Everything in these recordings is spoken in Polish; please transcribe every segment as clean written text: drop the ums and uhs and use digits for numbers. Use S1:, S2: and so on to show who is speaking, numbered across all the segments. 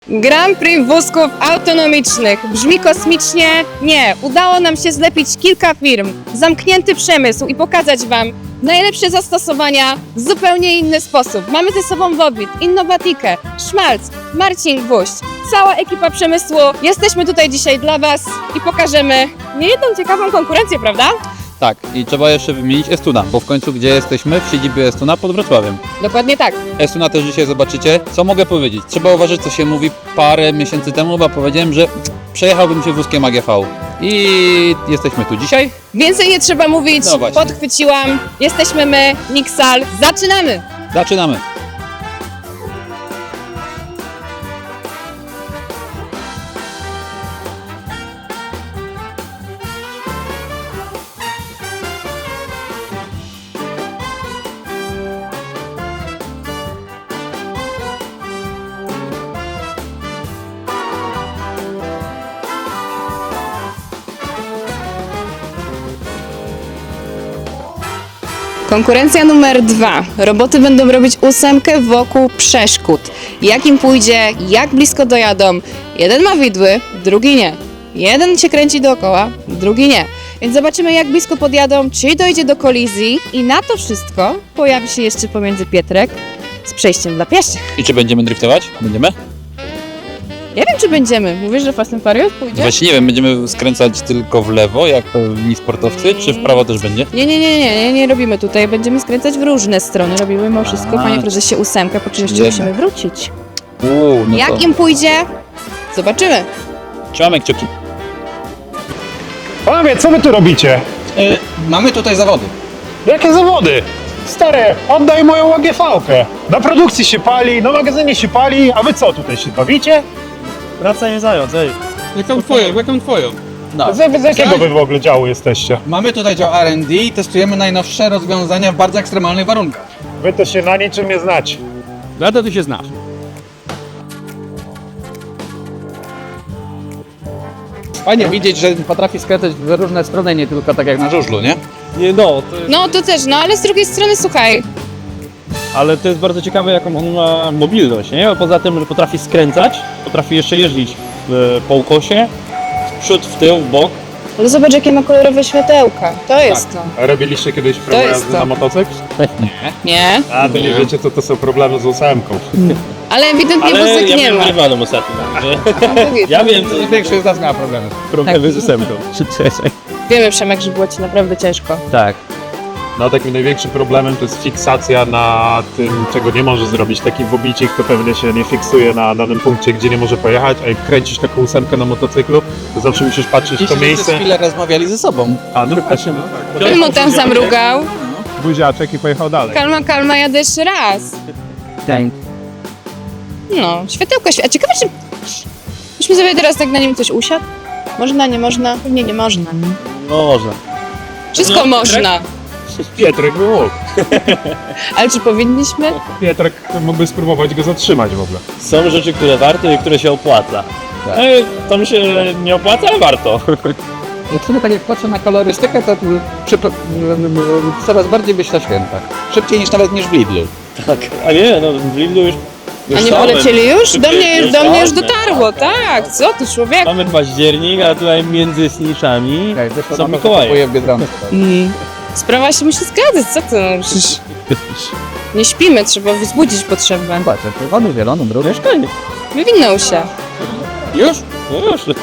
S1: Grand Prix wózków autonomicznych. Brzmi kosmicznie? Nie. Udało nam się zlepić kilka firm, zamknięty przemysł i pokazać Wam najlepsze zastosowania w zupełnie inny sposób. Mamy ze sobą Wobit, Innowatikę, Szmalc, Marcin Gwóźdź, cała ekipa przemysłu. Jesteśmy tutaj dzisiaj dla Was i pokażemy niejedną ciekawą konkurencję, prawda?
S2: Tak, i trzeba jeszcze wymienić Estuna, bo w końcu gdzie jesteśmy? W siedzibie Estuna pod Wrocławiem.
S1: Dokładnie tak.
S2: Estuna też dzisiaj zobaczycie. Co mogę powiedzieć? Trzeba uważać, co się mówi parę miesięcy temu, bo powiedziałem, że przejechałbym się wózkiem AGV. I jesteśmy tu dzisiaj.
S1: Więcej nie trzeba mówić,
S2: No właśnie.
S1: podchwyciłam. Jesteśmy my, Nixal. Zaczynamy!
S2: Zaczynamy.
S1: Konkurencja numer 2. Roboty będą robić 8 wokół przeszkód. Jak im pójdzie, jak blisko dojadą. Jeden ma widły, drugi nie. Jeden się kręci dookoła, drugi nie. Więc zobaczymy, jak blisko podjadą, czy dojdzie do kolizji. I na to wszystko pojawi się jeszcze pomiędzy Pietrek z przejściem dla pieszych.
S2: I czy będziemy driftować? Będziemy?
S1: Nie wiem, czy będziemy. Mówisz, że Fast and Furious pójdzie?
S2: Właśnie nie wiem, będziemy skręcać tylko w lewo, jak pewni sportowcy, czy w prawo też będzie?
S1: Nie robimy tutaj. Będziemy skręcać w różne strony. Robimy mimo wszystko,
S2: A.
S1: panie prezesie, 8, po czym jeszcze
S2: Wiemy.
S1: musimy wrócić.
S2: No
S1: Jak
S2: to
S1: im pójdzie? Zobaczymy.
S2: trzymamy kciuki.
S3: Panowie, co wy tu robicie?
S2: Mamy tutaj zawody.
S3: Jakie zawody? Stary, oddaj moją AGV-kę. Na produkcji się pali, na magazynie się pali, a wy co, tutaj się bawicie?
S4: Wracaj, nie zając, ej.
S5: Jaką twoją?
S2: No.
S3: Z jakiego wy w ogóle działu jesteście?
S5: Mamy tutaj dział R&D i testujemy najnowsze rozwiązania w bardzo ekstremalnych warunkach.
S3: Wy to się na niczym nie znacie.
S4: Na to ty się znasz.
S5: Fajnie widzieć, że potrafi skręcać w różne strony, nie tylko tak jak na żużlu, nie?
S4: Nie no, to jest,
S1: No to też, no ale z drugiej strony słuchaj,
S4: ale to jest bardzo ciekawe, jaką on ma mobilność, nie? Poza tym, że potrafi skręcać, potrafi jeszcze jeździć po ukosie, w przód, w tył, w bok.
S1: ale zobacz jakie ma kolorowe światełka, to jest to.
S3: A robiliście kiedyś próbę
S1: jest
S3: jazdy
S1: to.
S3: na motocykl?
S1: Nie?
S3: A, to nie wiecie, co to są problemy z ósemką.
S1: Ale ewidentnie
S4: Ale
S1: wózek
S4: ja
S1: nie
S4: byłem
S1: ma.
S4: rywalem ostatnio, także ja wiem, co
S5: Większość z nas miała problemy.
S4: problemy z ósemką.
S1: Wiemy, Przemek, że było ci naprawdę ciężko.
S4: Tak.
S3: No takim największym problemem to jest fiksacja na tym, czego nie może zrobić. Taki wobicik to pewnie się nie fiksuje na danym punkcie, gdzie nie może pojechać, a jak kręcisz taką ósemkę na motocyklu, to zawsze musisz patrzeć w to miejsce.
S5: Przez chwilę rozmawiali ze sobą.
S3: A, no właśnie,
S1: Mu tam zamrugał.
S3: buziaczek i pojechał dalej.
S1: Kalma, jadę jeszcze raz. No, światełko, a ciekawe czy... Myśmy sobie teraz tak na nim coś usiadł? Można, nie można? Pewnie nie można, nie?
S4: No można.
S1: Wszystko
S4: No,
S1: można.
S3: Pietrek by mógł.
S1: Ale czy powinniśmy?
S3: Pietrek mógłby spróbować go zatrzymać w ogóle.
S4: Są rzeczy, które warto i które się opłaca. To mi się nie opłaca, ale warto.
S5: Jak sobie tak jak patrzę na kolorystykę, to coraz bardziej myślę o świętach. Szybciej niż w Lidlu.
S4: Tak. A nie, no w Lidlu już
S1: A nie
S4: stałem.
S1: polecieli już? Do mnie już
S4: stałem.
S1: dotarło, tak. Co ty, człowiek?
S4: Mamy październik, a tutaj między snitchami są Mikołaje.
S5: Kupuję w Biedronce.
S1: Sprawa się musi zgadzać, co ty? No, przecież nie śpimy, trzeba wzbudzić potrzebę.
S5: Patrz, czerwony, zielony, drugi.
S1: Wywinął się.
S5: Już?
S4: No już.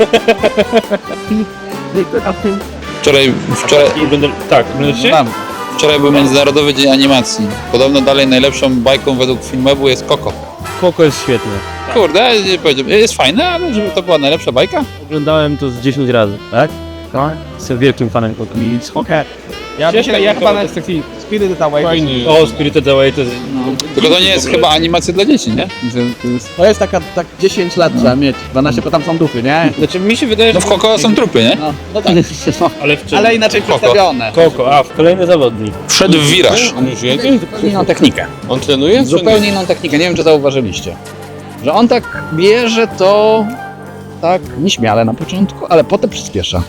S2: Wczoraj
S4: Będę
S2: wczoraj był Międzynarodowy Dzień Animacji. Podobno dalej najlepszą bajką według Filmwebu jest Coco.
S4: Koko jest świetne.
S2: Kurde, nie powiedziałbym, jest fajne, ale żeby to była najlepsza bajka?
S4: Oglądałem to z 10 razy, tak? Tak. Jestem wielkim fanem Koko. Okay.
S5: Ja chyba na sekcji Spirited Away.
S4: O, Spirited Away to jest...
S2: Tylko to nie jest chyba animacja dla dzieci, nie? To jest...
S5: To jest tak 10 lat trzeba mieć, 12, bo tam są duchy, nie?
S4: Znaczy mi się wydaje,
S2: No
S4: że...
S2: w Coco są trupy, nie?
S5: No tak,
S4: Ale w czym?
S5: ale inaczej
S2: Koko.
S5: przedstawione.
S4: Koko, a w kolejny zawodnik.
S2: Wszedł w wiraż.
S4: On już jedzie?
S5: Zupełnie inną technikę.
S4: On trenuje?
S5: Zupełnie inną technikę, nie wiem czy zauważyliście. Że on tak bierze to tak nieśmiale na początku, ale potem przyspiesza.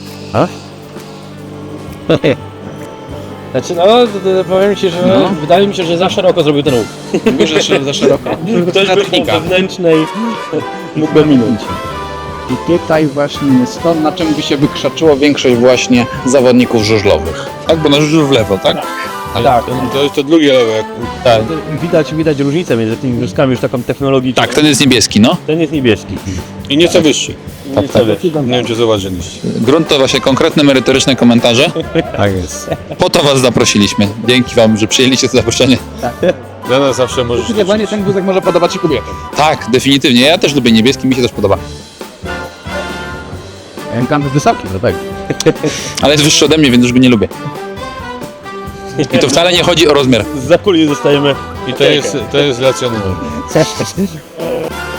S4: Znaczy no, powiem ci, że wydaje mi się, że za szeroko zrobił ten ruch.
S5: Mówisz, że za szeroko.
S4: Ktoś był po
S5: Technika.
S4: wewnętrznej mógłby minąć.
S5: I tutaj właśnie jest to, na czym by się wykrzaczyło większość właśnie zawodników żużlowych.
S2: Tak, bo na żużlu w lewo, tak?
S4: Tak,
S2: To jest to drugie lewo.
S4: tak. Widać różnicę między tymi wózkami już taką technologiczną.
S2: Tak, ten jest niebieski, no.
S4: Ten jest niebieski.
S2: I nieco wyższy. Nie wiem, czy zauważyliście. Grunt to właśnie konkretne, merytoryczne komentarze.
S5: Tak jest.
S2: Po to was zaprosiliśmy. Dzięki wam, że przyjęliście to zaproszenie. Dla nas zawsze możesz...
S5: Zdecydowanie ten wózek może podobać się kobietom.
S2: Tak, definitywnie. Ja też lubię niebieski, mi się też podoba.
S5: Tam wysoki, no tak.
S2: Ale jest wyższy ode mnie, więc już go nie lubię. I to wcale nie chodzi o rozmiar.
S4: Z zakuli zostajemy.
S2: I to jest racjonalne.